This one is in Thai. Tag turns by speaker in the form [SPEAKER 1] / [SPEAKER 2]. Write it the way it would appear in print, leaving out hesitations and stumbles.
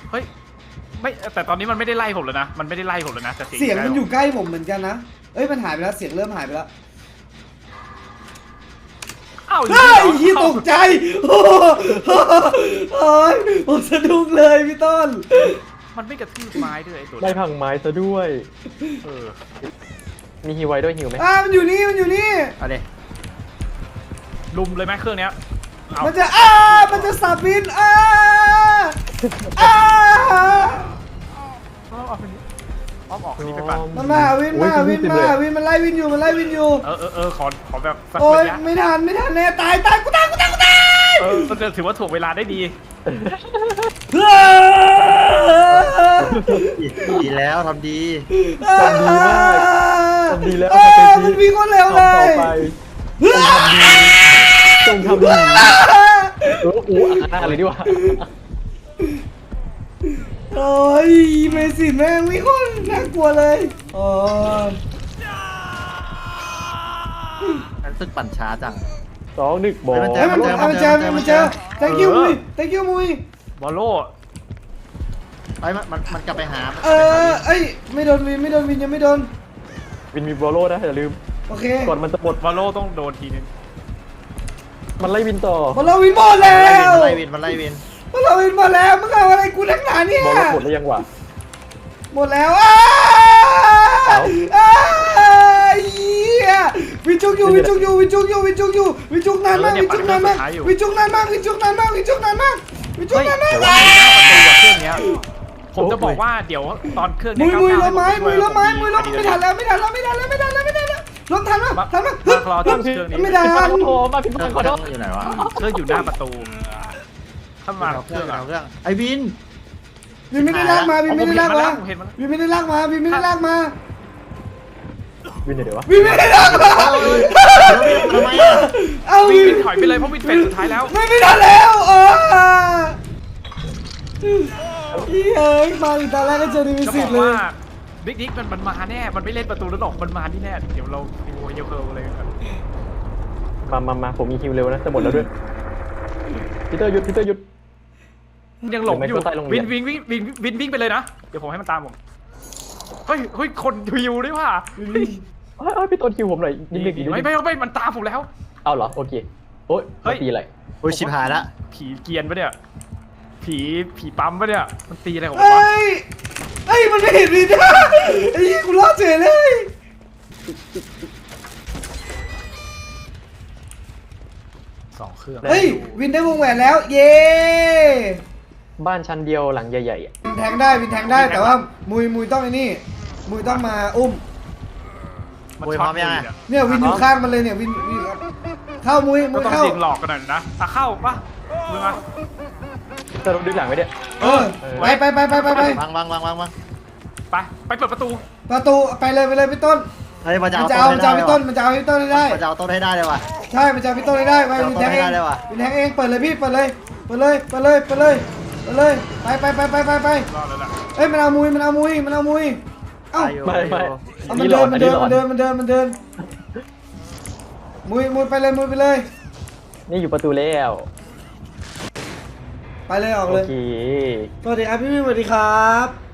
[SPEAKER 1] เฮ้ยไม่แต่ตอนนี้มันไม่ได้ไล่ผมแล้วนะมันไม่ได้ไล่ผมแล้วนะแต่
[SPEAKER 2] เสียงมันอยู่ใกล้ผมเหมือนกันนะเอ้ยมันหายไปแล้วเสียงเริ่มหายไปแล้ว
[SPEAKER 1] อ้าว
[SPEAKER 2] เฮ้ยยี่ตกใจโอ้ยผมสะดุ้งเลยพี่ต้น
[SPEAKER 1] มันไม่กระทืบไม้ด้วยไอ้ตัว
[SPEAKER 3] ได้พังไม้ซะด้วย
[SPEAKER 1] เออ
[SPEAKER 3] มีฮิวไว้ด้วยฮิวไหม
[SPEAKER 2] มันอยู่นี่มันอยู่นี่
[SPEAKER 4] เอาดิ
[SPEAKER 1] ลุมเลยไหมเครื่องเนี้ยเอา
[SPEAKER 2] มันจะมันจะสับบิน
[SPEAKER 1] เอาไปนี่อ้อมออกนี่ไปปั่น
[SPEAKER 2] มันมาวินมันไล่วินอยู่ขอแบบสักโอ้ย
[SPEAKER 1] ระยะ
[SPEAKER 2] ไม่ทันแน่ตายกูตาย
[SPEAKER 1] มันจะถือว่าถ่วงเวลาได้ดี
[SPEAKER 4] ดีแล้วทำดี
[SPEAKER 3] ทำดีมากทำดีแล้ว
[SPEAKER 2] มันวิ่งคนเร็วเล
[SPEAKER 3] ต่อย ไปจงทำดีโอ้โหอันหน้าเลยดีกว่า
[SPEAKER 2] โอ้ยเมสิแม่งวิ่งคนน่ากลัวเลยโอ้ย
[SPEAKER 4] รู้สึกปั่นช้าจัง
[SPEAKER 3] 2-1บอล
[SPEAKER 4] มันเจ
[SPEAKER 2] มันเจอ thank you มุย
[SPEAKER 1] บอลโล่
[SPEAKER 4] ไอ้มันกลับไปหา
[SPEAKER 2] เอ้ยไม่โดนวินยังไม่โดน
[SPEAKER 3] วินมีบอลโล่นะอย่าลืม
[SPEAKER 2] โอเค
[SPEAKER 3] ก่อนมันจะหมด
[SPEAKER 1] บอลโล่ต้องโดนทีนึง
[SPEAKER 3] มันไล่วินต่อ
[SPEAKER 2] พอเราวินหมดแล้ว
[SPEAKER 4] มันไล่วิน
[SPEAKER 2] พอเราวินหมดแล้วมึงเอาอะไรกูนักหนาเนี่ย
[SPEAKER 3] บอลโล่หมดแล้วยังวะ
[SPEAKER 2] หมดแล้ววิจุกอยู่วิจุกนานมาก
[SPEAKER 1] เฮ้ย
[SPEAKER 2] ประตูอะเครื่องเนี้ย
[SPEAKER 1] ผมจะบอกว่าเดี๋ยวตอนเครื่อง
[SPEAKER 2] มุ
[SPEAKER 1] นี้
[SPEAKER 2] ยล้มไม่ทันแล้วรถทันมั้ย
[SPEAKER 1] มารอตอนเครื่องนี้
[SPEAKER 2] ไม่ทัน
[SPEAKER 3] โอ้มาผิด
[SPEAKER 4] เค
[SPEAKER 3] พลา
[SPEAKER 4] รื่
[SPEAKER 3] ด
[SPEAKER 4] อง
[SPEAKER 3] ขอโทษ
[SPEAKER 4] อยู่ไหนวะ
[SPEAKER 1] เครื่องอยู่หน้าประตูถ้ามา
[SPEAKER 4] เอา
[SPEAKER 1] เค
[SPEAKER 4] เครื่
[SPEAKER 1] รื่
[SPEAKER 4] อ
[SPEAKER 1] อง ง
[SPEAKER 4] เอาเครื่องไอ้วิน
[SPEAKER 2] วินไม่ได้ลากมา
[SPEAKER 1] ผมเห็นมาแล้วผมเห็นมาแล้ว
[SPEAKER 2] วินไม่ได้ลากมา
[SPEAKER 3] วินเดี๋ยววะ
[SPEAKER 2] วินไม่ได้ลากมา
[SPEAKER 4] ทำไมอ่ะ
[SPEAKER 2] เอา
[SPEAKER 1] วิ่งถอยไปเลยเพราะวิ่งเป็นสุดท้ายแล้ว
[SPEAKER 2] ไม่ทันแล้วเฮ้ยมาอีกตอนแรกก็เจอดีวิ
[SPEAKER 1] จะ
[SPEAKER 2] สิ
[SPEAKER 1] บ
[SPEAKER 2] ต
[SPEAKER 1] อก
[SPEAKER 2] เลย
[SPEAKER 1] ว่าบิ๊กดิ๊กมันมาแน่มันไม่เล่นประตูแล้วหรอกมันมาที่แน่เดี๋ยวเราดูเยอะเกินเลย
[SPEAKER 3] มาผมมีฮิวเร็วนะจะหมดแล้วด้วยพีเตอร์หยุด
[SPEAKER 1] ยังหลงอยู่
[SPEAKER 3] เดี๋ยวไม่เข้าใต้โรงเรียน
[SPEAKER 1] วิ่งไปเลยนะเดี๋ยวผมให้มันตามผมเฮ้ยคนฮิวด้วยว่ะ
[SPEAKER 3] พี่ต้นฮิวผมหน่อยนิดนึง
[SPEAKER 1] ไม่มันตามผมแล้ว
[SPEAKER 3] เอาเหรอโอเคโอ๊ยตีอะไร
[SPEAKER 4] โอ้ยชิบหายละ
[SPEAKER 1] ผีเกียนปะเนี่ยผีปั๊มปะเนี่ยมันตีอะไรของมันวะ
[SPEAKER 2] เฮ้ยมันไม่เห็นวินนะไอ้ยี่กูรอดเฉยเลย
[SPEAKER 1] 2 เครื่อง
[SPEAKER 2] เฮ้ยวินได้วงแหวนแล้วเย้
[SPEAKER 3] บ้านชั้นเดียวหลังใหญ่ๆ
[SPEAKER 2] วินแทงได้แต่ว่ามุยต้องไอ้นี่มุยต้องมาอุ้ม
[SPEAKER 1] มันช็อต
[SPEAKER 2] เนี่ยวินอยู่ข้างมันเลยเนี่ยวินเข้ามุย
[SPEAKER 1] ก็ต้อง
[SPEAKER 2] เข้า
[SPEAKER 1] ยิงหลอกกันหน่อยนะเข้าปะมึงมา
[SPEAKER 3] จะดึงหลังไว้เนี่ย
[SPEAKER 2] ไป
[SPEAKER 4] วาง
[SPEAKER 1] ไปเปิดประตู
[SPEAKER 2] ไปเลยพี่ต้น
[SPEAKER 4] เฮ้ยมันจะ
[SPEAKER 2] มัน
[SPEAKER 4] เอา
[SPEAKER 2] จะเอาพี่ต้นมันจะเอาพี่ต้นให้ได้
[SPEAKER 4] มันจะเอาต้นให้ได้เลยว่ะ
[SPEAKER 2] ใช่มันจะเอาพี่ต้นให้ได้ไปวินแทงเองวินแทงเองเปิดเลยพี่เปิดเลยไปไปไป
[SPEAKER 1] รอดแล้วล่ะ
[SPEAKER 2] เอ้ยมันเอามุยเอ้า
[SPEAKER 3] ไม่
[SPEAKER 2] มันเดินมุยไปเลย
[SPEAKER 3] นี่อยู่ประตูแล้ว
[SPEAKER 2] ไปเลยออก
[SPEAKER 3] โอ
[SPEAKER 2] เลย
[SPEAKER 3] เค
[SPEAKER 2] สวัสดีครับพี่สวัสดีครับ